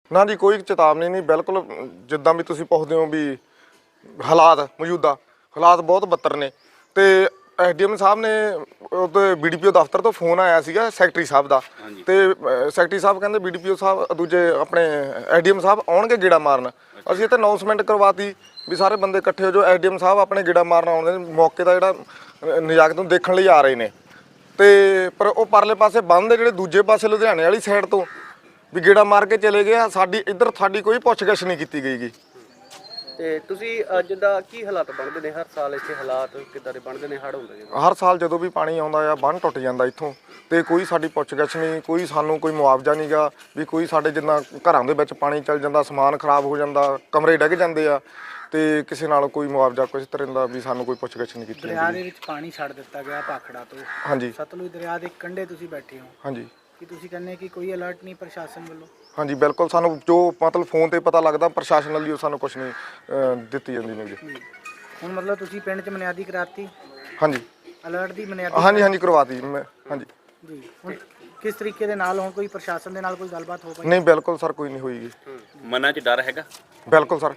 ਨਾ ਜੀ ਕੋਈ ਚੇਤਾਵਨੀ ਨਹੀਂ, ਬਿਲਕੁਲ ਜਿੱਦਾਂ ਵੀ ਤੁਸੀਂ ਪੁੱਛਦੇ ਹੋ ਵੀ ਹਾਲਾਤ ਮੌਜੂਦਾ ਹਾਲਾਤ ਬਹੁਤ ਬੱਤਰ ਨੇ। ਤੇ ਐਸਡੀਐਮ ਸਾਹਿਬ ਨੇ ਉਹਦੇ ਬੀਡੀਪੀਓ ਦਫ਼ਤਰ ਤੋਂ ਫੋਨ ਆਇਆ ਸੀਗਾ ਸੈਕਟਰੀ ਸਾਹਿਬ ਦਾ, ਤੇ ਸੈਕਟਰੀ ਸਾਹਿਬ ਕਹਿੰਦੇ ਬੀਡੀਪੀਓ ਸਾਹਿਬ ਦੂਜੇ ਆਪਣੇ ਐਸਡੀਐਮ ਸਾਹਿਬ ਆਉਣਗੇ ਗੇੜਾ ਮਾਰਨ। ਅਸੀਂ ਇੱਥੇ ਅਨਾਉਂਸਮੈਂਟ ਕਰਵਾਤੀ ਵੀ ਸਾਰੇ ਬੰਦੇ ਇਕੱਠੇ ਹੋ ਜਾਓ, ਐਸਡੀਐਮ ਸਾਹਿਬ ਆਪਣੇ ਗੇੜਾ ਮਾਰਨ ਆਉਂਦੇ ਨੇ, ਮੌਕੇ ਦਾ ਜਿਹੜਾ ਨਜ਼ਾਕਤ ਨੂੰ ਦੇਖਣ ਲਈ ਆ ਰਹੇ ਨੇ। ਤੇ ਪਰ ਉਹ ਪਰਲੇ ਪਾਸੇ ਬੰਦ ਦੇ ਜਿਹੜੇ ਦੂਜੇ ਪਾਸੇ ਲੁਧਿਆਣੇ ਵਾਲੀ ਸਾਈਡ ਤੋਂ ਵੀ ਗੇੜਾ ਮਾਰ ਕੇ ਚਲੇ ਗਏ ਆ। ਸਾਡੀ ਇੱਧਰ ਸਾਡੀ ਕੋਈ ਪੁੱਛਗਿੱਛ ਨਹੀਂ ਕੀਤੀ ਗਈ ਗੀ। ਤੇ ਤੁਸੀਂ ਜਿੱਦਾਂ ਕੀ ਹਾਲਾਤ ਬਣਦੇ ਨੇ ਹਰ ਸਾਲ ਇੱਥੇ, ਹਾਲਾਤ ਕਿੱਦਾਂ ਦੇ ਬਣਦੇ ਨੇ ਹੜ੍ਹ ਹੁੰਦੇ ਨੇ? ਹਰ ਸਾਲ ਜਦੋਂ ਵੀ ਪਾਣੀ ਆਉਂਦਾ ਆ ਬੰਨ੍ਹ ਟੁੱਟ ਜਾਂਦਾ ਇੱਥੋਂ, ਤੇ ਕੋਈ ਸਾਡੀ ਪੁੱਛਗਿੱਛ ਨਹੀਂ, ਕੋਈ ਸਾਨੂੰ ਕੋਈ ਮੁਆਵਜ਼ਾ ਨਹੀਂ ਗਾ ਵੀ ਕੋਈ ਸਾਡੇ ਜਿੱਦਾਂ ਘਰਾਂ ਦੇ ਵਿੱਚ ਪਾਣੀ ਚੱਲ ਜਾਂਦਾ, ਸਮਾਨ ਖਰਾਬ ਹੋ ਜਾਂਦਾ, ਕਮਰੇ ਡਿੱਗ ਜਾਂਦੇ ਆ, ਤੇ ਕਿਸੇ ਨਾਲ ਕੋਈ ਮੁਆਵਜ਼ਾ ਕੁਛ ਤਰ੍ਹਾਂ ਦਾ ਵੀ ਸਾਨੂੰ ਕੋਈ ਪੁੱਛਗਿੱਛ ਨਹੀਂ ਕੀਤੀ। ਦਰਿਆ ਦੇ ਵਿੱਚ ਪਾਣੀ ਛੱਡ ਦਿੱਤਾ ਗਿਆ ਭਾਖੜਾ ਤੋਂ। ਹਾਂਜੀ ਸਤਲੁਜ ਦਰਿਆ ਦੇ ਕੰਢੇ ਤੁਸੀਂ ਬੈਠੇ ਹੋ। ਹਾਂਜੀ ਕੀ ਤੁਸੀਂ ਕਹਿੰਦੇ ਕਿ ਕੋਈ ਅਲਰਟ ਨਹੀਂ ਪ੍ਰਸ਼ਾਸਨ ਵੱਲੋਂ? ਹਾਂਜੀ ਬਿਲਕੁਲ, ਸਾਨੂੰ ਜੋ ਮਤਲਬ ਫੋਨ ਤੇ ਪਤਾ ਲੱਗਦਾ ਪ੍ਰਸ਼ਾਸਨ ਵੱਲੋਂ ਸਾਨੂੰ ਕੁਛ ਨਹੀਂ ਦਿੱਤੀ ਜਾਂਦੀ ਨਹੀਂ। ਹੁਣ ਮਤਲਬ ਤੁਸੀਂ ਪਿੰਡ 'ਚ ਬੁਨਿਆਦੀ ਕਰਾਤੀ? ਹਾਂਜੀ ਅਲਰਟ ਦੀ ਬੁਨਿਆਦੀ? ਹਾਂਜੀ ਕਰਵਾਤੀ ਮੈਂ। ਹਾਂਜੀ ਜੀ, ਹੁਣ ਕਿਸ ਤਰੀਕੇ ਦੇ ਨਾਲ ਹੁਣ ਕੋਈ ਪ੍ਰਸ਼ਾਸਨ ਦੇ ਨਾਲ ਕੋਈ ਗੱਲਬਾਤ ਹੋ ਪਾਈ? ਨਹੀਂ ਬਿਲਕੁਲ ਸਰ, ਕੋਈ ਨਹੀਂ ਹੋਈਗੀ। ਮਨਾਂ 'ਚ ਡਰ ਹੈਗਾ? ਬਿਲਕੁਲ ਸਰ,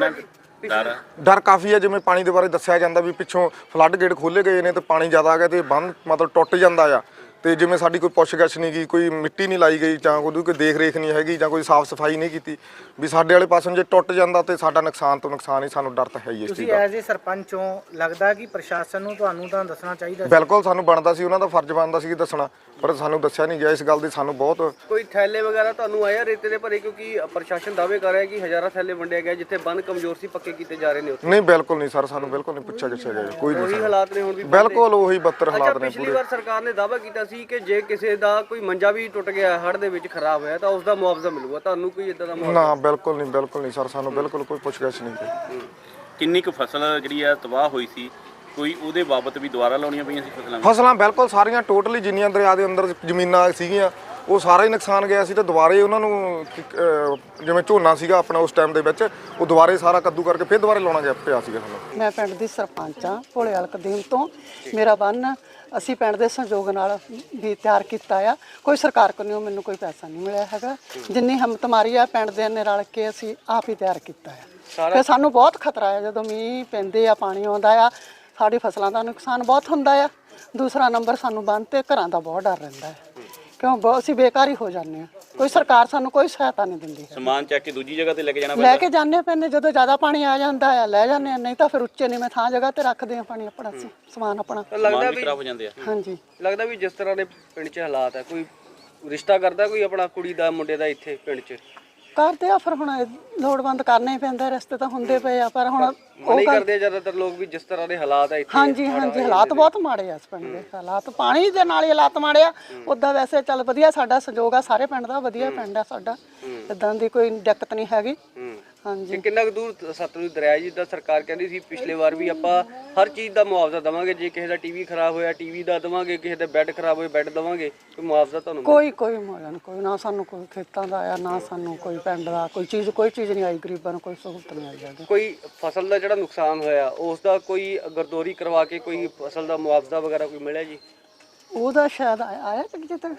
ਡਰ ਕਾਫੀ ਹੈ। ਜਿਵੇਂ ਪਾਣੀ ਦੇ ਬਾਰੇ ਦੱਸਿਆ ਜਾਂਦਾ ਵੀ ਪਿੱਛੋਂ ਫਲੱਡ ਗੇਟ ਖੋਲੇ ਗਏ ਨੇ ਤੇ ਪਾਣੀ ਜ਼ਿਆਦਾ ਆ ਗਿਆ ਤੇ ਬੰਨ ਮਤਲਬ ਟੁੱਟ ਜਾਂਦਾ ਆ। ਤੇ ਜਿਵੇਂ ਸਾਡੀ ਕੋਈ ਪੁੱਛਗਿੱਛ ਨਹੀਂ ਗਈ, ਕੋਈ ਮਿੱਟੀ ਨਹੀਂ ਲਾਈ ਗਈ, ਜਾਂ ਕੋਈ ਦੇਖ ਰੇਖ ਨਹੀਂ ਹੈਗੀ, ਜਾਂ ਕੋਈ ਸਾਫ਼ ਸਫਾਈ ਨਹੀਂ ਕੀਤੀ ਵੀ ਸਾਡੇ ਵਾਲੇ ਪਾਸੋਂ ਜੇ ਟੁੱਟ ਜਾਂਦਾ ਤੇ ਸਾਡਾ ਨੁਕਸਾਨ ਤੋਂ ਨੁਕਸਾਨ ਹੀ। ਸਾਨੂੰ ਡਰ ਤਾਂ ਹੈ ਹੀ ਇਸ ਚੀਜ਼ ਦਾ। ਤੁਸੀਂ ਐਜ਼ ਏ ਸਰਪੰਚ ਹੋ, ਲੱਗਦਾ ਕਿ ਪ੍ਰਸ਼ਾਸਨ ਨੂੰ ਤੁਹਾਨੂੰ ਤਾਂ ਦੱਸਣਾ ਚਾਹੀਦਾ? ਬਿਲਕੁਲ ਸਾਨੂੰ ਬਣਦਾ ਸੀ, ਉਹਨਾਂ ਦਾ ਫਰਜ਼ ਬਣਦਾ ਸੀ ਦੱਸਣਾ, ਪਰ ਸਾਨੂੰ ਦੱਸਿਆ ਨਹੀਂ ਗਿਆ। ਇਸ ਗੱਲ ਦੀ ਸਾਨੂੰ ਬਹੁਤ ਕੋਈ ਥੈਲੇ ਵਗੈਰਾ ਤੁਹਾਨੂੰ ਆਇਆ ਰੇਤੇ ਦੇ ਭਰੇ? ਕਿਉਂਕਿ ਪ੍ਰਸ਼ਾਸਨ ਦਾਅਵੇ ਕਰ ਰਿਹਾ ਕਿ ਹਜ਼ਾਰਾਂ ਥੈਲੇ ਵੰਡੇ ਗਏ, ਜਿੱਥੇ ਬੰਨ ਕਮਜ਼ੋਰ ਸੀ ਪੱਕੇ ਕੀਤੇ ਜਾ ਰਹੇ ਨੇ ਉੱਥੇ। ਨਹੀਂ ਬਿਲਕੁਲ ਨਹੀਂ ਸਰ, ਸਾਨੂੰ ਬਿਲਕੁਲ ਨਹੀਂ ਪੁੱਛਿਆ ਗਿਆ ਕੋਈ ਨਹੀਂ। ਉਹੀ ਹਾਲਾਤ ਨੇ ਹੁਣ ਵੀ? ਬਿਲਕੁਲ ਉਹੀ ਬੱਤਰ ਹਾਲਾਤ ਨੇ ਪਿਛਲੀ ਵਾਰ ਸਰਕਾਰ ਨੇ ਦਾਅਵਾ ਕੀਤਾ ਸੀ ਕਿ ਜੇ ਕਿਸੇ ਦਾ ਕੋਈ ਮੰਜਾ ਵੀ ਟੁੱਟ ਗਿਆ ਹੜ੍ਹ ਦੇ ਵਿੱਚ ਖਰਾਬ ਹੋਇਆ ਤਾਂ ਉਸ ਦਾ ਮੁਆਵਜ਼ਾ ਮਿਲੂਗਾ। ਤੁਹਾਨੂੰ ਕੋਈ ਇਦਾਂ ਦਾ ਮੁਆਵਜ਼ਾ? ਨਾ ਬਿਲਕੁਲ ਨਹੀਂ ਸਰ, ਸਾਨੂੰ ਬਿਲਕੁਲ ਕੋਈ ਪੁੱਛਗਿੱਛ ਨਹੀਂ। ਕਿੰਨੀ ਕੁ ਫਸਲ ਜਿਹੜੀ ਆ ਤਬਾਹ ਹੋਈ ਸੀ, ਕੋਈ ਉਹਦੇ ਬਾਬਤ ਵੀ ਦੁਬਾਰਾ ਲਾਉਣੀਆਂ ਪਈਆਂ ਸੀ ਫਸਲਾਂ? ਫਸਲਾਂ ਬਿਲਕੁਲ ਸਾਰੀਆਂ ਟੋਟਲੀ ਜਿੰਨੀਆਂ ਦਰਿਆ ਦੇ ਅੰਦਰ ਜ਼ਮੀਨਾਂ ਸੀਗੀਆਂ ਉਹ ਸਾਰਾ ਹੀ ਨੁਕਸਾਨ ਗਿਆ ਸੀ। ਤੇ ਦੁਬਾਰੇ ਉਹਨਾਂ ਨੂੰ ਜਿਵੇਂ ਝੋਨਾ ਸੀਗਾ ਆਪਣਾ ਉਸ ਟਾਈਮ ਦੇ ਵਿੱਚ, ਉਹ ਦੁਬਾਰੇ ਸਾਰਾ ਕੱਦੂ ਕਰਕੇ ਫਿਰ ਦੁਬਾਰੇ ਲਾਉਣਾ ਗਿਆ ਪਿਆ ਸੀਗਾ ਸਾਨੂੰ। ਮੈਂ ਪਿੰਡ ਦੀ ਸਰਪੰਚ ਹਾਂ ਭੋਲੇਵਾਲ ਕਦੀਮ ਤੋਂ। ਮੇਰਾ ਬੰਨ ਅਸੀਂ ਪਿੰਡ ਦੇ ਸਹਿਯੋਗ ਨਾਲ ਵੀ ਤਿਆਰ ਕੀਤਾ ਆ। ਕੋਈ ਸਰਕਾਰ ਕੋਲੋਂ ਮੈਨੂੰ ਕੋਈ ਪੈਸਾ ਨਹੀਂ ਮਿਲਿਆ ਹੈਗਾ। ਜਿੰਨੀ ਹਿੰਮਤ ਮਾਰੀ ਆ ਪਿੰਡ ਦੇ ਨੇ ਰਲ ਕੇ ਅਸੀਂ ਆਪ ਹੀ ਤਿਆਰ ਕੀਤਾ ਆ। ਤੇ ਸਾਨੂੰ ਬਹੁਤ ਖਤਰਾ ਆ ਜਦੋਂ ਮੀਂਹ ਪੈਂਦੇ ਆ, ਪਾਣੀ ਆਉਂਦਾ ਆ, ਸਾਡੀ ਫਸਲਾਂ ਦਾ ਨੁਕਸਾਨ ਬਹੁਤ ਹੁੰਦਾ ਆ। ਦੂਸਰਾ ਨੰਬਰ ਸਾਨੂੰ ਬੰਨ ਤੇ ਘਰਾਂ ਦਾ ਬਹੁਤ ਡਰ ਰਹਿੰਦਾ ਹੈ, ਕਿਉਂ ਬਹੁਤ ਅਸੀਂ ਬੇਕਾਰ ਹੀ ਹੋ ਜਾਂਦੇ ਹਾਂ। ਕੋਈ ਸਰਕਾਰ ਸਾਨੂੰ ਕੋਈ ਸਹਾਇਤਾ ਨਹੀਂ ਦਿੰਦੀ। ਸਮਾਨ ਚੱਕ ਕੇ ਦੂਜੀ ਜਗ੍ਹਾ ਤੇ ਲੈ ਕੇ ਜਾਣਾ ਲੈ ਕੇ ਜਾਂਦੇ ਪੈਂਦੇ, ਜਦੋਂ ਜ਼ਿਆਦਾ ਪਾਣੀ ਆ ਜਾਂਦਾ ਆ ਲੈ ਜਾਂਦੇ ਆ, ਨਹੀਂ ਤਾਂ ਫਿਰ ਉੱਚੇ ਨੀਵੇਂ ਥਾਂ ਜਗ੍ਹਾ ਤੇ ਰੱਖਦੇ ਆ ਪਾਣੀ ਆਪਣਾ ਸਮਾਨ ਆਪਣਾ। ਲੱਗਦਾ ਵੀ ਖਰਾਬ ਹੋ ਜਾਂਦੇ ਆ। ਹਾਂਜੀ, ਲੱਗਦਾ ਵੀ ਜਿਸ ਤਰ੍ਹਾਂ ਦੇ ਪਿੰਡ 'ਚ ਹਾਲਾਤ ਹੈ, ਕੋਈ ਰਿਸ਼ਤਾ ਕਰਦਾ ਕੋਈ ਆਪਣਾ ਕੁੜੀ ਦਾ ਮੁੰਡੇ ਦਾ ਇੱਥੇ ਪਿੰਡ 'ਚ? ਕਰਦੇ ਆ, ਫਿਰ ਹੁਣ ਲੋੜਵੰਦ ਕਰਨਾ ਹੀ ਪੈਂਦਾ, ਰਸਤੇ ਤਾਂ ਹੁੰਦੇ ਪਏ ਆ, ਪਰ ਹੁਣ ਉਹ ਕਰਦੇ ਜ਼ਿਆਦਾਤਰ ਲੋਕ ਵੀ ਜਿਸ ਤਰ੍ਹਾਂ ਦੇ ਹਾਲਾਤ ਆ ਇੱਥੇ। ਹਾਂਜੀ ਹਾਲਾਤ ਬਹੁਤ ਮਾੜੇ ਆ ਇਸ ਪਿੰਡ ਦੇ। ਹਾਲਾਤ ਪਾਣੀ ਦੇ ਨਾਲ ਹੀ ਹਾਲਾਤ ਮਾੜੇ ਆ। ਉੱਦਾਂ ਵੈਸੇ ਚੱਲ ਵਧੀਆ ਸਾਡਾ ਸਹਿਯੋਗ ਆ ਸਾਰੇ ਪਿੰਡ ਦਾ, ਵਧੀਆ ਪਿੰਡ ਆ ਸਾਡਾ, ਇਦਾਂ ਦੀ ਕੋਈ ਦਿੱਕਤ ਨਹੀਂ ਹੈਗੀ। ਹਾਂਜੀ, ਕਿੰਨਾ ਕੁ ਦੂਰ ਸਤਲੁਜ ਦਰਿਆ ਜਿੱਦਾਂ ਸਰਕਾਰ ਕਹਿੰਦੀ ਸੀ ਪਿਛਲੇ ਵਾਰ ਵੀ ਆਪਾਂ ਹਰ ਚੀਜ਼ ਦਾ ਮੁਆਵਜ਼ਾ ਦੇਵਾਂਗੇ, ਜੇ ਕਿਸੇ ਦਾ ਟੀਵੀ ਖਰਾਬ ਹੋਇਆ ਟੀਵੀ ਦਾ ਦੇਵਾਂਗੇ, ਕਿਸੇ ਦਾ ਬੈੱਡ ਖਰਾਬ ਹੋਇਆ ਬੈੱਡ ਦੇਵਾਂਗੇ, ਕੋਈ ਮੁਆਵਜ਼ਾ ਤੁਹਾਨੂੰ? ਕੋਈ ਮੁਆਵਜ਼ਾ ਨਹੀਂ, ਕੋਈ ਨਾ ਸਾਨੂੰ ਕੋਈ ਖੇਤਾਂ ਦਾ ਆਇਆ, ਨਾ ਸਾਨੂੰ ਕੋਈ ਪਿੰਡ ਦਾ ਕੋਈ ਚੀਜ਼ ਨਹੀਂ ਆਈ। ਗਰੀਬਾਂ ਨੂੰ ਕੋਈ ਸਹੂਲਤ ਨਹੀਂ ਆਈ ਹੈਗੀ। ਕੋਈ ਫਸਲ ਦਾ ਜਿਹੜਾ ਨੁਕਸਾਨ ਹੋਇਆ ਉਸ ਦਾ ਕੋਈ ਗਰਦੋਰੀ ਕਰਵਾ ਕੇ ਕੋਈ ਫਸਲ ਦਾ ਮੁਆਵਜ਼ਾ ਵਗੈਰਾ ਕੋਈ ਮਿਲਿਆ ਜੀ? ਉਹਦਾ ਸ਼ਾਇਦ ਆਇਆ ਕਿ ਜਿੱਥੇ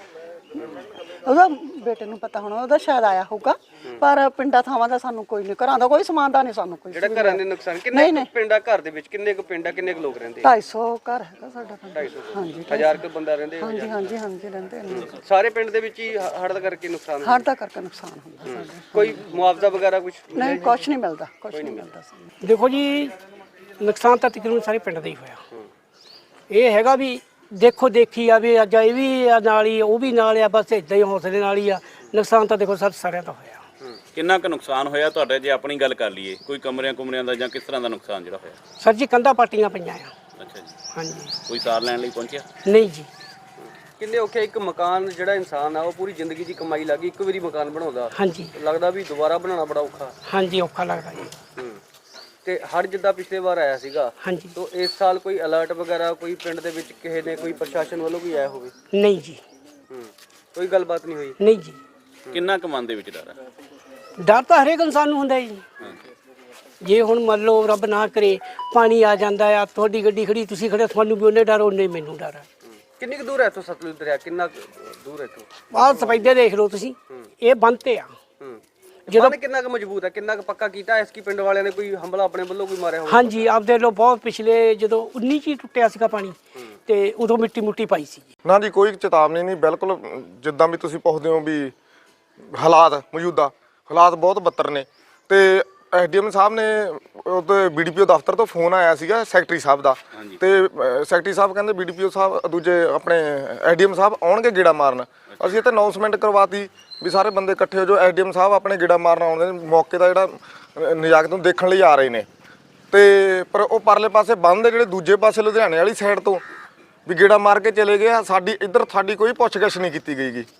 ਉਹਦਾ ਬੇਟੇ ਨੂੰ ਪਤਾ ਹੋਣਾ, ਉਹਦਾ ਸ਼ਾਇਦ ਆਇਆ ਹੋਊਗਾ, ਪਰ ਪਿੰਡਾਂ ਥਾਵਾਂ ਦਾ ਸਾਨੂੰ ਕੋਈ ਨਹੀਂ, ਘਰਾਂ ਦਾ ਕੋਈ ਸਮਾਨ ਦਾ ਨਹੀਂ ਸਾਨੂੰ ਕੋਈ। ਜਿਹੜਾ ਘਰਾਂ ਦੇ ਨੁਕਸਾਨ ਕਿੰਨੇ ਪਿੰਡਾਂ ਘਰ ਦੇ ਵਿੱਚ ਕਿੰਨੇ ਕੁ ਪਿੰਡਾਂ ਕਿੰਨੇ ਕੁ ਲੋਕ ਰਹਿੰਦੇ? 250 ਘਰ ਹੈਗਾ ਸਾਡਾ ਪਿੰਡ। 250? ਹਾਂਜੀ, 1000 ਕੁ ਬੰਦਾ ਰਹਿੰਦੇ? ਹਾਂਜੀ ਰਹਿੰਦੇ ਨੇ। ਸਾਰੇ ਪਿੰਡ ਦੇ ਵਿੱਚ ਹੀ ਹੜ੍ਹ ਦਾ ਕਰਕੇ ਨੁਕਸਾਨ? ਹੜ੍ਹ ਦਾ ਕਰਕੇ ਨੁਕਸਾਨ ਹੁੰਦਾ ਸਾਡਾ। ਕੋਈ ਮੁਆਵਜ਼ਾ ਵਗੈਰਾ ਕੁਝ ਨਹੀਂ, ਕੁਛ ਨਹੀਂ ਮਿਲਦਾ, ਕੁਛ ਨਹੀਂ ਮਿਲਦਾ ਸਾਨੂੰ। ਦੇਖੋ ਜੀ, ਨੁਕਸਾਨ ਤਾਂ ਤਕਰੀਬਨ ਸਾਰੇ ਪਿੰਡ ਦਾ ਹੀ ਹੋਇਆ। ਇਹ ਹੈਗਾ ਵੀ ਦੇਖੋ ਦੇਖੀ ਆ ਵੀ ਅੱਜ ਇਹ ਵੀ ਨਾਲ ਹੀ ਉਹ ਵੀ ਨਾਲ ਆ, ਬਸ ਇਦਾਂ ਹੀ ਹੌਸਲੇ ਨਾਲ ਹੀ ਆ। ਨੁਕਸਾਨ ਤਾਂ ਦੇਖੋ ਸਭ ਸਾਰਿਆਂ ਦਾ ਹੋਇਆ। ਕਿੰਨਾ ਕੁ ਨੁਕਸਾਨ ਹੋਇਆ ਤੁਹਾਡੇ, ਜੇ ਆਪਣੀ ਗੱਲ ਕਰ ਲਈਏ, ਕੋਈ ਕਮਰਿਆਂ ਦਾ ਜਾਂ ਕਿਸ ਤਰ੍ਹਾਂ ਦਾ ਨੁਕਸਾਨ ਜਿਹੜਾ ਹੋਇਆ? ਸਰ ਜੀ ਕੰਧਾਂ ਪਾਟੀਆਂ ਪਈਆਂ ਆ। ਅੱਛਾ ਜੀ। ਹਾਂਜੀ। ਕੋਈ ਸਾਰ ਲੈਣ ਲਈ ਪਹੁੰਚਿਆ? ਨਹੀਂ ਜੀ। ਕਿੰਨੇ ਔਖੇ, ਇੱਕ ਮਕਾਨ ਜਿਹੜਾ ਇਨਸਾਨ ਆ ਉਹ ਪੂਰੀ ਜ਼ਿੰਦਗੀ ਦੀ ਕਮਾਈ ਲੱਗੀ ਇੱਕ ਵਾਰੀ ਮਕਾਨ ਬਣਾਉਂਦਾ, ਹਾਂਜੀ, ਲੱਗਦਾ ਵੀ ਦੁਬਾਰਾ ਬਣਾਉਣਾ ਬੜਾ ਔਖਾ। ਹਾਂਜੀ, ਔਖਾ ਲੱਗਦਾ ਜੀ। ਤੇ ਹੜ੍ਹ ਜਿੱਦਾਂ ਪਿਛਲੇ ਵਾਰ ਆਇਆ ਸੀਗਾ, ਹਾਂਜੀ, ਤਾਂ ਇਸ ਸਾਲ ਕੋਈ ਅਲਰਟ ਵਗੈਰਾ ਕੋਈ ਪਿੰਡ ਦੇ ਵਿੱਚ ਕਿਸੇ ਨੇ ਕੋਈ ਪ੍ਰਸ਼ਾਸਨ ਵੱਲੋਂ ਵੀ ਆਇਆ ਹੋਵੇ? ਨਹੀਂ ਜੀ। ਕੋਈ ਗੱਲਬਾਤ ਨਹੀਂ ਹੋਈ? ਨਹੀਂ ਜੀ। ਕਿੰਨਾ ਕੁ ਮਨ ਦੇ ਵਿੱਚ ਡਰ ਹੈ? ਡਰ ਤਾਂ ਹਰੇਕ ਇਨਸਾਨ ਨੂੰ ਹੁੰਦਾ ਜੀ। ਜੇ ਹੁਣ ਮੰਨ ਲਓ ਰੱਬ ਨਾ ਕਰੇ ਪਾਣੀ ਆ ਜਾਂਦਾ ਆ, ਤੁਹਾਡੀ ਗੱਡੀ ਖੜੀ ਤੁਸੀਂ ਖੜੇ, ਤੁਹਾਨੂੰ ਵੀ ਉਹਨੇ ਡਰ ਉਹਨੇ ਮੈਨੂੰ ਡਰ ਆ। ਕਿੰਨੀ ਕੁ ਦੂਰ ਹੈ ਇੱਥੋਂ ਸਤਲੁਜ ਦਰਿਆ, ਕਿੰਨਾ ਦੂਰ ਹੈ ਇੱਥੋਂ? ਆਹ ਸਫੈਦੇ ਦੇਖ ਲਓ ਤੁਸੀਂ, ਇਹ ਬੰਨ੍ਹ ਤੇ ਆ। ਬੰਨ ਕਿੰਨਾ ਕੁ ਮਜ਼ਬੂਤ ਹੈ, ਕਿੰਨਾ ਕੁ ਪੱਕਾ ਕੀਤਾ ਇਸ ਕੀ ਪਿੰਡ ਵਾਲਿਆਂ ਨੇ, ਕੋਈ ਹਮਲਾ ਆਪਣੇ ਵੱਲੋਂ ਕੋਈ ਮਾਰਿਆ ਹੋਵੇ? ਹਾਂਜੀ ਆਪਦੇ ਲੋ ਬਹੁਤ ਪਿਛਲੇ ਜਦੋਂ 19 ਚ ਹੀ ਟੁੱਟਿਆ ਸੀਗਾ ਪਾਣੀ ਤੇ ਉਦੋਂ ਮਿੱਟੀ ਮੁੱਟੀ ਪਾਈ ਸੀ। ਨਾ ਜੀ ਕੋਈ ਚੇਤਾਵਨੀ ਨਹੀਂ, ਬਿਲਕੁਲ ਜਿੱਦਾਂ ਵੀ ਤੁਸੀਂ ਪੁੱਛਦੇ ਹੋ ਵੀ ਹਾਲਾਤ ਮੌਜੂਦਾ ਹਾਲਾਤ ਬਹੁਤ ਬੱਤਰ ਨੇ। ਤੇ ਐਸਡੀਐਮ ਸਾਹਿਬ ਨੇ ਉਹਦੇ ਬੀਡੀਪੀਓ ਦਫ਼ਤਰ ਤੋਂ ਫੋਨ ਆਇਆ ਸੀਗਾ ਸੈਕਟਰੀ ਸਾਹਿਬ ਦਾ, ਤੇ ਸੈਕਟਰੀ ਸਾਹਿਬ ਕਹਿੰਦੇ ਬੀਡੀਪੀਓ ਸਾਹਿਬ ਦੂਜੇ ਆਪਣੇ ਐਸਡੀਐਮ ਸਾਹਿਬ ਆਉਣਗੇ ਗੇੜਾ ਮਾਰਨ। ਅਸੀਂ ਇੱਥੇ ਅਨਾਉਂਸਮੈਂਟ ਕਰਵਾਤੀ ਵੀ ਸਾਰੇ ਬੰਦੇ ਇਕੱਠੇ ਹੋ ਜਾਓ, ਐਸਡੀਐਮ ਸਾਹਿਬ ਆਪਣੇ ਗੇੜਾ ਮਾਰਨ ਆਉਂਦੇ ਨੇ, ਮੌਕੇ ਦਾ ਜਿਹੜਾ ਨਜ਼ਾਕਤ ਨੂੰ ਦੇਖਣ ਲਈ ਆ ਰਹੇ ਨੇ। ਤੇ ਪਰ ਉਹ ਪਰਲੇ ਪਾਸੇ ਬੰਦ ਦੇ ਜਿਹੜੇ ਦੂਜੇ ਪਾਸੇ ਲੁਧਿਆਣੇ ਵਾਲੀ ਸਾਈਡ ਤੋਂ ਵੀ ਗੇੜਾ ਮਾਰ ਕੇ ਚਲੇ ਗਏ। ਸਾਡੀ ਕੋਈ ਪੁੱਛਗਿੱਛ ਨਹੀਂ ਕੀਤੀ ਗਈ ਗੀ।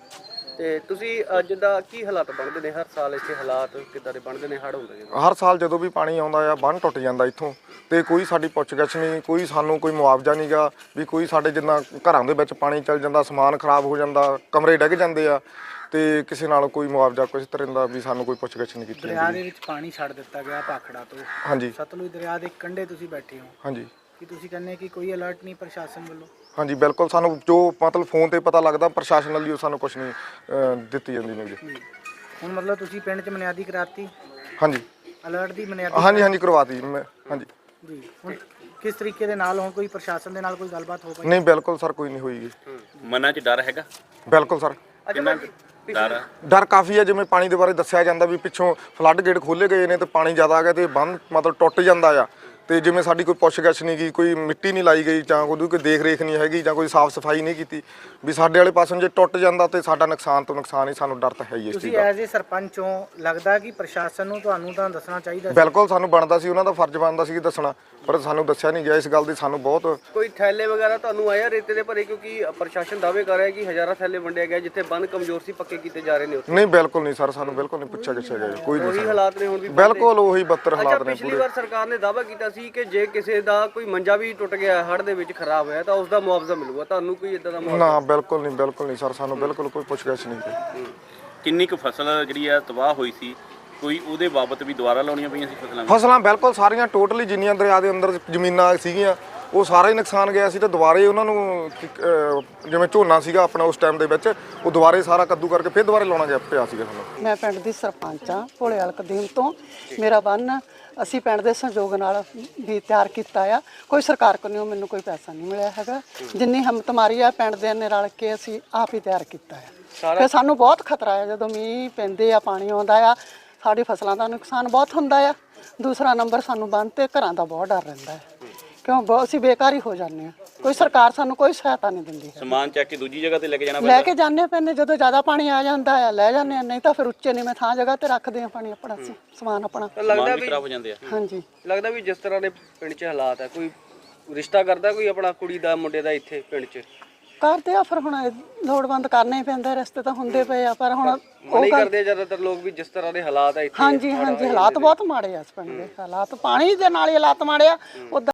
ਤੇ ਤੁਸੀਂ ਜਿੱਦਾਂ ਕੀ ਹਾਲਾਤ ਬਣਦੇ ਨੇ ਹਰ ਸਾਲ ਇੱਥੇ, ਹਾਲਾਤ ਕਿੱਦਾਂ ਦੇ ਬਣਦੇ ਨੇ, ਹੜ੍ਹ ਹੁੰਦੇ ਨੇ? ਹਰ ਸਾਲ ਜਦੋਂ ਵੀ ਪਾਣੀ ਆਉਂਦਾ ਆ ਬੰਨ੍ਹ ਟੁੱਟ ਜਾਂਦਾ ਇੱਥੋਂ, ਤੇ ਕੋਈ ਸਾਡੀ ਪੁੱਛਗਿੱਛ ਨਹੀਂ, ਕੋਈ ਸਾਨੂੰ ਕੋਈ ਮੁਆਵਜ਼ਾ ਨਹੀਂਗਾ ਵੀ ਕੋਈ ਸਾਡੇ ਜਿੰਨਾ ਘਰਾਂ ਦੇ ਵਿੱਚ ਪਾਣੀ ਚੱਲ ਜਾਂਦਾ, ਸਮਾਨ ਖਰਾਬ ਹੋ ਜਾਂਦਾ, ਕਮਰੇ ਡਿੱਗ ਜਾਂਦੇ ਆ, ਤੇ ਕਿਸੇ ਨਾਲ ਕੋਈ ਮੁਆਵਜ਼ਾ ਕੁਛ ਤਰ੍ਹਾਂ ਦਾ ਵੀ ਸਾਨੂੰ ਕੋਈ ਪੁੱਛਗਿੱਛ ਨਹੀਂ ਕੀਤੀ ਦਰਿਆ ਦੇ ਵਿੱਚ ਪਾਣੀ ਛੱਡ ਦਿੱਤਾ ਗਿਆ ਭਾਖੜਾ ਤੋਂ। ਹਾਂਜੀ ਸਤਲੁਜ ਦਰਿਆ ਦੇ ਕੰਢੇ ਤੁਸੀਂ ਬੈਠੇ ਹੋ, ਹਾਂਜੀ ਕੀ ਤੁਸੀਂ ਕਹਿੰਦੇ ਕਿ ਕੋਈ ਅਲਰਟ ਨਹੀਂ ਪ੍ਰਸ਼ਾਸਨ ਵੱਲੋਂ? ਹਾਂਜੀ ਬਿਲਕੁਲ, ਸਾਨੂੰ ਜੋ ਮਤਲਬ ਫੋਨ ਤੇ ਪਤਾ ਲੱਗਦਾ ਪ੍ਰਸ਼ਾਸਨ ਵੱਲੋਂ ਸਾਨੂੰ ਕੁਛ ਨਹੀਂ ਦਿੱਤੀ ਜਾਂਦੀ ਨਿਊਜ਼। ਹੁਣ ਮਤਲਬ ਤੁਸੀਂ ਪਿੰਡ 'ਚ ਬੁਨਿਆਦੀ ਕਰਾਤੀ ਹਾਂਜੀ ਅਲਰਟ ਦੀ ਬੁਨਿਆਦੀ? ਹਾਂਜੀ ਕਰਵਾਤੀ ਮੈਂ। ਹਾਂਜੀ ਜੀ, ਹੁਣ ਕਿਸ ਤਰੀਕੇ ਦੇ ਨਾਲ ਹੁਣ ਕੋਈ ਪ੍ਰਸ਼ਾਸਨ ਦੇ ਨਾਲ ਕੋਈ ਗੱਲਬਾਤ ਹੋ ਪਾਈ? ਨਹੀਂ ਬਿਲਕੁਲ ਸਰ, ਕੋਈ ਨਹੀਂ ਹੋਈਗੀ। ਮਨਾਂ 'ਚ ਡਰ ਹੈਗਾ? ਬਿਲਕੁਲ ਸਰ, ਕਿੰਨਾ ਕੁ ਡਰ ਆ? ਡਰ ਕਾਫੀ ਹੈ। ਜਿਵੇਂ ਪਾਣੀ ਦੇ ਬਾਰੇ ਦੱਸਿਆ ਜਾਂਦਾ ਵੀ ਪਿੱਛੋਂ ਫਲੱਡ ਗੇਟ ਖੋਲੇ ਗਏ ਨੇ ਤੇ ਪਾਣੀ ਜ਼ਿਆਦਾ ਆ ਗਿਆ ਤੇ ਬੰਨ ਮਤਲਬ ਟੁੱਟ ਜਾਂਦਾ ਆ, ਤੇ ਜਿਵੇਂ ਸਾਡੀ ਕੋਈ ਪੁੱਛਗਿੱਛ ਨਹੀਂ ਗਈ, ਕੋਈ ਮਿੱਟੀ ਨਹੀਂ ਲਾਈ ਗਈ, ਜਾਂ ਕੋਈ ਦੇਖ ਰੇਖ ਨਹੀਂ ਹੈਗੀ, ਜਾਂ ਕੋਈ ਸਾਫ਼ ਸਫਾਈ ਨਹੀਂ ਕੀਤੀ ਵੀ ਸਾਡੇ ਵਾਲੇ ਪਾਸੋਂ ਜੇ ਟੁੱਟ ਜਾਂਦਾ ਤੇ ਸਾਡਾ ਨੁਕਸਾਨ ਤੋਂ ਨੁਕਸਾਨ ਹੀ, ਸਾਨੂੰ ਡਰ ਤਾਂ ਹੈ ਹੀ ਇਸ ਚੀਜ਼ ਤੁਸੀਂ ਦਾ। ਐਜ਼ ਏ ਸਰਪੰਚ ਹੋ, ਲੱਗਦਾ ਕਿ ਪ੍ਰਸ਼ਾਸਨ ਨੂੰ ਤੁਹਾਨੂੰ ਤਾਂ ਦੱਸਣਾ ਚਾਹੀਦਾ ਸੀ? ਬਿਲਕੁਲ ਸਾਨੂੰ ਬਣਦਾ ਸੀ, ਉਹਨਾਂ ਦਾ ਫਰਜ਼ ਬਣਦਾ ਸੀ ਦੱਸਣਾ, ਪਰ ਸਾਨੂੰ ਦੱਸਿਆ ਨਹੀਂ ਗਿਆ। ਇਸ ਗੱਲ ਦੀ ਸਾਨੂੰ ਬਹੁਤ ਕੋਈ ਥੈਲੇ ਵਗੈਰਾ ਤੁਹਾਨੂੰ ਆਇਆ ਰੇਤੇ ਦੇ ਭਰੇ? ਕਿਉਂਕਿ ਪ੍ਰਸ਼ਾਸਨ ਦਾਅਵੇ ਕਰ ਰਿਹਾ ਕਿ ਹਜ਼ਾਰਾਂ ਥੈਲੇ ਵੰਡੇ ਗਏ, ਜਿੱਥੇ ਬੰਨ ਕਮਜ਼ੋਰ ਸੀ ਪੱਕੇ ਕੀਤੇ ਜਾ ਰਹੇ ਨੇ ਉੱਥੇ। ਨਹੀਂ, ਬਿਲਕੁਲ ਨਹੀਂ ਸਰ, ਸਾਨੂੰ ਬਿਲਕੁਲ ਨਹੀਂ ਪੁੱਛਿਆ ਗਿਆ ਕੋਈ ਨਹੀਂ ਉਹੀ ਸਰ। ਹਾਲਾਤ ਨੇ ਹੁਣ ਵੀ? ਬਿਲਕੁਲ ਉਹੀ ਬੱਤਰ ਅੱਛਾ, ਹਾਲਾਤ ਨੇ ਪਿਛਲੀ ਪੂਰੇ। ਵਾਰ ਸਰਕਾਰ ਨੇ ਦਾਅਵਾ ਕੀਤਾ ਸੀ ਕਿ ਜੇ ਕਿਸੇ ਦਾ ਕੋਈ ਮੰਜਾ ਵੀ ਟੁੱਟ ਗਿਆ, ਹੜ੍ਹ ਦੇ ਵਿੱਚ ਖਰਾਬ ਹੋਇਆ, ਤਾਂ ਉਸ ਦਾ ਮੁਆਵਜ਼ਾ ਮਿਲੂਗਾ। ਤੁਹਾਨੂੰ ਕੋਈ ਇਦਾਂ ਦਾ ਮੁਆਵਜ਼ਾ? ਨਾ ਬਿਲਕੁਲ ਨਹੀਂ ਸਰ, ਸਾਨੂੰ ਬਿਲਕੁਲ ਕੋਈ ਪੁੱਛਗਿੱਛ ਨਹੀਂ ਕੋਈ। ਕਿੰਨੀ ਕੁ ਫਸਲ ਜਿਹੜੀ ਆ ਤਬਾਹ ਹੋਈ ਸੀ, ਕੋਈ ਉਹਦੇ ਬਾਬਤ ਵੀ ਦੁਬਾਰਾ ਲਾਉਣੀਆਂ ਪਈਆਂ ਸੀ ਫਸਲਾਂ? ਫਸਲਾਂ ਬਿਲਕੁਲ ਸਾਰੀਆਂ ਟੋਟਲੀ ਜਿੰਨੀਆਂ ਦਰਿਆ ਦੇ ਅੰਦਰ ਜ਼ਮੀਨਾਂ ਸੀਗੀਆਂ ਉਹ ਸਾਰਾ ਹੀ ਨੁਕਸਾਨ ਗਿਆ ਸੀ, ਤੇ ਦੁਬਾਰੇ ਉਹਨਾਂ ਨੂੰ ਜਿਵੇਂ ਝੋਨਾ ਸੀਗਾ ਆਪਣਾ ਉਸ ਟਾਈਮ ਦੇ ਵਿੱਚ, ਉਹ ਦੁਬਾਰੇ ਸਾਰਾ ਕੱਦੂ ਕਰਕੇ ਫਿਰ ਦੁਬਾਰੇ ਲਾਉਣਾ ਗਿਆ ਪਿਆ ਸੀਗਾ ਸਾਨੂੰ। ਮੈਂ ਪਿੰਡ ਦੀ ਸਰਪੰਚ ਆ ਭੋਲੇਵਾਲ ਕਦੀਮ ਤੋਂ। ਮੇਰਾ ਬੰਨ ਅਸੀਂ ਪਿੰਡ ਦੇ ਸਹਿਯੋਗ ਨਾਲ ਵੀ ਤਿਆਰ ਕੀਤਾ ਆ, ਕੋਈ ਸਰਕਾਰ ਕੋਲੋਂ ਮੈਨੂੰ ਕੋਈ ਪੈਸਾ ਨਹੀਂ ਮਿਲਿਆ ਹੈਗਾ। ਜਿੰਨੀ ਹਿੰਮਤ ਮਾਰੀ ਆ ਪਿੰਡ ਦੇ ਨੇ ਰਲ ਕੇ ਅਸੀਂ ਆਪ ਹੀ ਤਿਆਰ ਕੀਤਾ ਆ। ਫਿਰ ਸਾਨੂੰ ਬਹੁਤ ਖਤਰਾ ਆ ਜਦੋਂ ਮੀਂਹ ਪੈਂਦੇ ਆ, ਪਾਣੀ ਆਉਂਦਾ ਆ, ਸਾਡੀ ਫਸਲਾਂ ਦਾ ਨੁਕਸਾਨ ਬਹੁਤ ਹੁੰਦਾ ਆ। ਦੂਸਰਾ ਨੰਬਰ ਸਾਨੂੰ ਬੰਨ ਤੇ ਘਰਾਂ ਦਾ ਬਹੁਤ ਡਰ ਰਹਿੰਦਾ ਹੈ, ਕਿਉਂ ਅਸੀਂ ਬੇਕਾਰ ਹੀ ਹੋ ਜਾਂਦੇ ਹਾਂ। ਕੋਈ ਸਰਕਾਰ ਸਾਨੂੰ ਕੋਈ ਸਹਾਇਤਾ ਨਹੀਂ ਦਿੰਦੀ ਹੈ। ਸਮਾਨ ਚੱਕ ਕੇ ਦੂਜੀ ਜਗ੍ਹਾ ਤੇ ਲੈ ਕੇ ਜਾਣਾ ਲੈ ਕੇ ਜਾਂਦੇ ਪੈਂਦੇ, ਜਦੋਂ ਜ਼ਿਆਦਾ ਪਾਣੀ ਆ ਜਾਂਦਾ ਆ ਲੈ ਜਾਂਦੇ ਆ, ਨਹੀਂ ਤਾਂ ਫਿਰ ਉੱਚੇ ਨੀਵੇਂ ਥਾਂ ਜਗ੍ਹਾ ਤੇ ਰੱਖਦੇ ਆ ਪਾਣੀ ਆਪਣਾ ਸਮਾਨ ਆਪਣਾ। ਲੱਗਦਾ ਵੀ ਖਰਾਬ ਹੋ ਜਾਂਦੇ ਆ। ਹਾਂਜੀ, ਲੱਗਦਾ ਵੀ ਜਿਸ ਤਰ੍ਹਾਂ ਦੇ ਪਿੰਡ 'ਚ ਹਾਲਾਤ ਹੈ, ਕੋਈ ਰਿਸ਼ਤਾ ਕਰਦਾ ਕੋਈ ਆਪਣਾ ਕੁੜੀ ਦਾ ਮੁੰਡੇ ਦਾ ਇੱਥੇ ਪਿੰਡ 'ਚ? ਕਰਦੇ ਆ, ਫਿਰ ਹੁਣ ਲੋੜਵੰਦ ਕਰਨੇ ਹੀ ਪੈਂਦੇ, ਰਸਤੇ ਤਾਂ ਹੁੰਦੇ ਪਏ ਆ, ਪਰ ਹੁਣ ਉਹ ਨਹੀਂ ਕਰਦੇ ਜ਼ਿਆਦਾਤਰ ਲੋਕ ਵੀ ਜਿਸ ਤਰ੍ਹਾਂ ਦੇ ਹਾਲਾਤ ਹੈ ਇੱਥੇ? ਹਾਂਜੀ ਹਾਲਾਤ ਬਹੁਤ ਮਾੜੇ ਆ ਇਸ ਪਿੰਡ ਦੇ। ਹਾਲਾਤ ਪਾਣੀ ਦੇ ਨਾਲ ਹੀ ਹਾਲਾਤ ਮਾੜੇ ਆ।